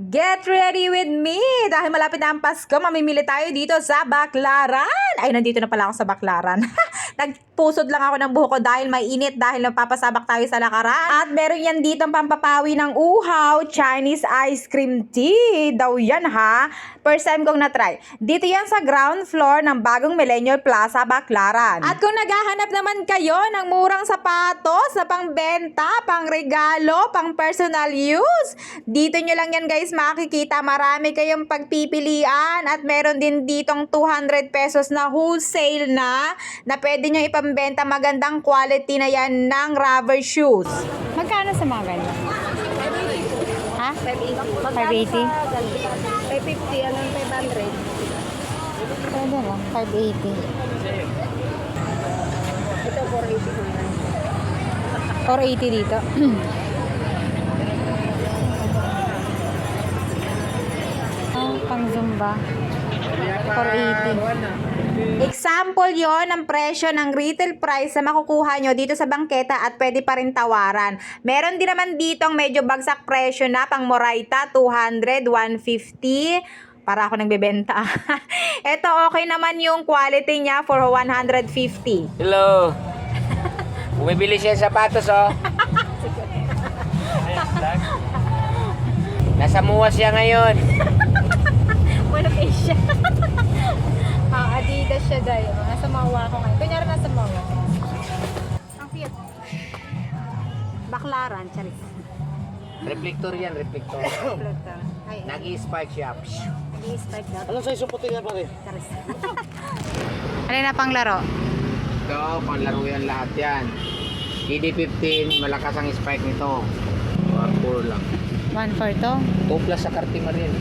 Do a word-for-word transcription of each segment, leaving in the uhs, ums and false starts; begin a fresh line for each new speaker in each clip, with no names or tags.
Get ready with me! Dahil malapit na ang Pasko, mamimili tayo dito sa Baclaran. Ay, nandito na pala ako sa Baclaran. Nagpusod lang ako ng buhok ko dahil mainit dahil napapasabak tayo sa lakaran. At meron yan dito pampapawi ng uhaw, Chinese ice cream tea. Daw yan ha. First time kong na-try. Dito yan sa ground floor ng bagong Millennial Plaza, Baclaran. At kung naghahanap naman kayo ng murang sapatos na pangbenta, pang regalo, pang personal use, dito nyo lang yan guys makikita. Marami kayong pagpipilian at meron din ditong two hundred pesos na wholesale na na pwede nyo ipambenta. Magandang quality na yan ng rubber shoes.
Magkano sa mga ganyan? Ha? five eighty?
five fifty, anong five hundred?
Pwede lang, five eighty.
Ito, four eighty ko yan.
four eighty dito. Ah, pang Zumba. four eighty.
Example yon ng presyo ng retail price na makukuha nyo dito sa bangketa at pwede pa rin tawaran. Meron din naman ditong medyo bagsak presyo na pang Moraita, two hundred, one fifty. Para ako nagbebenta. Ito okay naman yung quality niya for one hundred fifty.
Hello. Bumibili siya ng sapatos, oh. Nasa muwa siya ngayon.
Wala pa siya. Ah, Adidas siya dahil. Nasa mawa ko ngayon. Kunyari nasa mawa. Ang cute. Baclaran, charis.
Reflector yan, reflector.
Pluto. Ay,
Nag-i-spike siya.
i-spike daw.
Anong size yung puti nga pare?
Charis. Ano na pang laro?
Ito, panlaro yan lahat yan. K D fifteen, malakas ang spike nito. one four lang.
one for to?
two plus sa Cartier rin.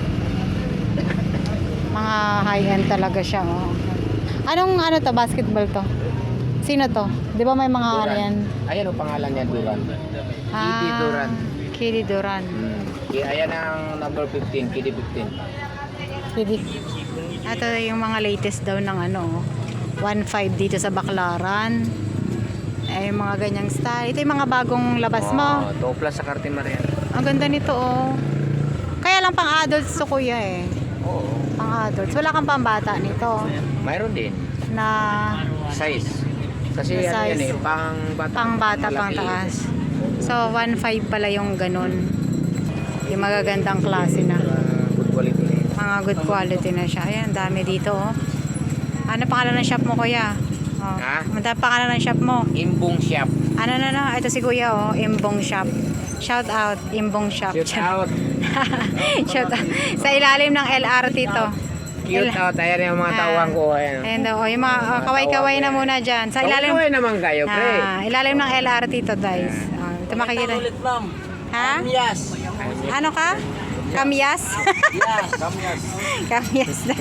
Mga high-end talaga siya. Oh. Anong ano to? Basketball to? Sino to? Di ba may mga ano yan?
Ayan ang pangalan niya, Duran. Kitty Duran.
Kitty Duran.
Hmm. Kaya ayan ang number fifteen, K D fifteen.
Kitty. Ito yung mga latest daw ng ano. one five dito sa Baclaran. Ay, yung mga ganyang style. Ito yung mga bagong labas mo.
Oh, two plus sa Cartier rin.
Ang ganda nito oh. Kaya lang pang adults to kuya eh.
Oo.
Pang adults. Wala kang pambata nito.
Mayroon din.
Na
Size. Kasi
Na
ano yan
size.
eh, pang bata.
pang bata,
malaki.
pang taas. So, one five pala yung ganun. Yung magagandang klase na.
Uh, good quality na yun.
Mga good quality na siya. Ayan, dami dito oh. Ano pangalan ng shop mo kuya? Oh.
Ha?
Ano pangalan ng shop mo?
Imbong Shop.
Ano na na? Ito si kuya oh. Imbong Shop. Shout out. Imbong Shop.
Shoot out.
Shout out. Sa ilalim ng L R T to.
Cute out. Ayan yung mga tawang ko. Ayan.
Ayan daw. Oh, yung mga uh, kaway-kaway na muna dyan. Sa ilalim.
Kaway naman kayo, pre.
Ah, ilalim ng L R T to guys. Oh, ito makikita.
ma'am.
Ha?
Yes.
Ano ka? Kamyas?
Yes. Kamyas.
Kamyas na.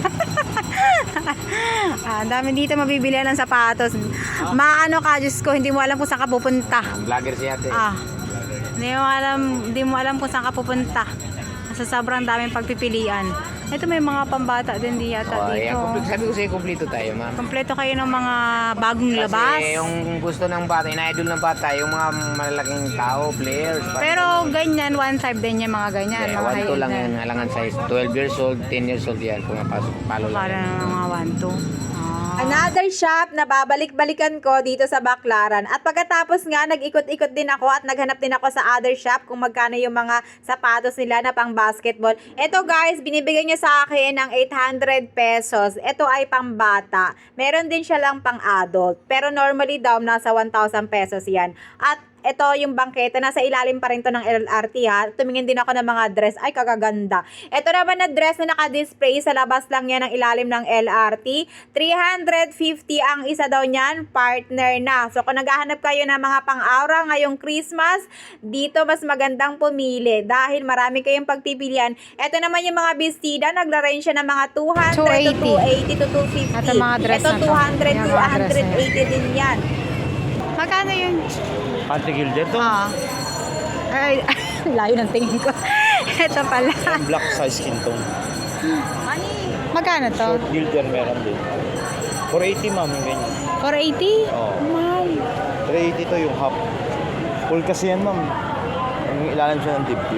Ah, ang dami dito mabibilihan ng sapatos. Maano ka, Diyos ko, hindi mo alam kung saan ka pupunta.
Vlogger si ate.
Ah, hindi mo alam, hindi mo alam kung saan ka pupunta. Sa sobrang daming pagpipilian. Ito may mga pambata din di yata
Oh,
dito.
ayan, kumpleto. Sabi ko sa'yo, kumpleto tayo, ma'am.
Kompleto kayo ng mga bagong labas.
Kasi yung gusto ng bata, ina-idol ng bata, yung mga malalaking tao, players.
Pero ganyan, one five din yung mga ganyan.
yeah,
mga
one two
high-end
lang
na.
yan, halangan size. twelve years old, ten years old yan, pumapasok, palo lang.
Para
yan.
ng mga one two. Ah.
Another shop na babalik-balikan ko dito sa Baclaran. At pagkatapos nga, nag-ikot-ikot din ako at naghanap din ako sa other shop kung magkano yung mga sapatos nila na pang basketball. Ito guys, binibigay niya sa akin ng eight hundred pesos. Ito ay pang bata. Meron din siya lang pang adult. Pero normally daw, nasa one thousand pesos yan. At ito yung bangketa, nasa ilalim pa rin to ng L R T ha. Tumingin din ako ng mga dress. Ay, kagaganda. Ito naman na dress na naka-display sa labas lang yan ng ilalim ng L R T. three hundred fifty ang isa daw niyan, partner na. So, kung naghahanap kayo ng mga pang-aura ngayong Christmas, dito mas magandang pumili dahil marami kayong pagpipilian. Ito naman yung mga bestida, nagla-range siya ng mga two hundred to two eighty to two fifty.
Ito mga dress
Ito
na to.
two hundred
Yung
to
mga dress na
one eighty din yan.
Magkano yun?
Panty gilder to.
Ah. Ay, layo ng tingin ko. Ito pala.
Black size skin tone.
Magkano to?
Short gilder meron din. four eighty ma'am yung ganyan.
four eighty?
Oo.
Wow.
three eighty to yung half. Full kasi yan ma'am. Yung ilalim siya ng dibdib.
Oh,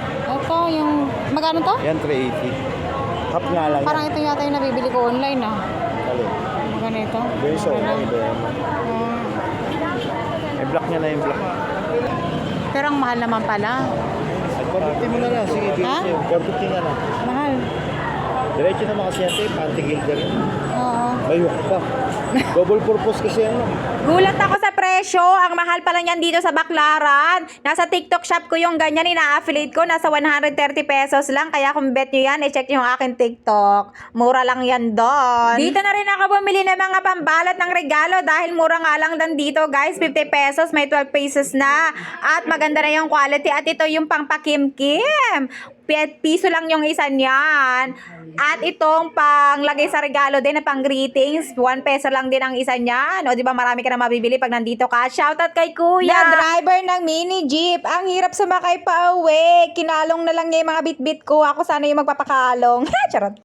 Ito yung, magkano to?
Yan, three eighty. Half nga lang
Parang ito yata yung nabibili ko online ah.
Alin?
Magkano ito?
Yung isa,
Ano?
iba yan.
Ah.
May black niya na yung black.
Pero ang mahal naman pala.
four fifty mo na lang. Sige, dito
Ha?
sa'yo. four fifty na lang.
Mahal.
Diretso naman kasi yan, tape. Anti-gilder yun.
Oo.
May hook pa. Double purpose kasi yan. no?
Gulat ako sa presyo. Ang mahal pala niyan dito sa Baclaran. Nasa TikTok shop ko yung ganyan. Ina-affiliate ko. Nasa one hundred thirty pesos lang. Kaya kung bet nyo yan, i-check nyo yung aking TikTok. Mura lang yan doon. Dito na rin ako bumili ng mga pambalot ng regalo. Dahil mura nga lang dan dito, guys. fifty pesos. May twelve pieces na. At maganda na yung quality. At ito yung pang pakimkim. Pi- Piso lang yung isa niyan. At itong panglagay sa regalo din na pang greetings, one peso lang din ang isa niyan. O di ba marami ka na mabibili pag nandito ka. Shoutout kay Kuya, na driver ng mini jeep. Ang hirap sumakay pa uwi. Kinalong na lang niya yung mga bit-bit ko. Ako sana yung magpapakalong. Charot.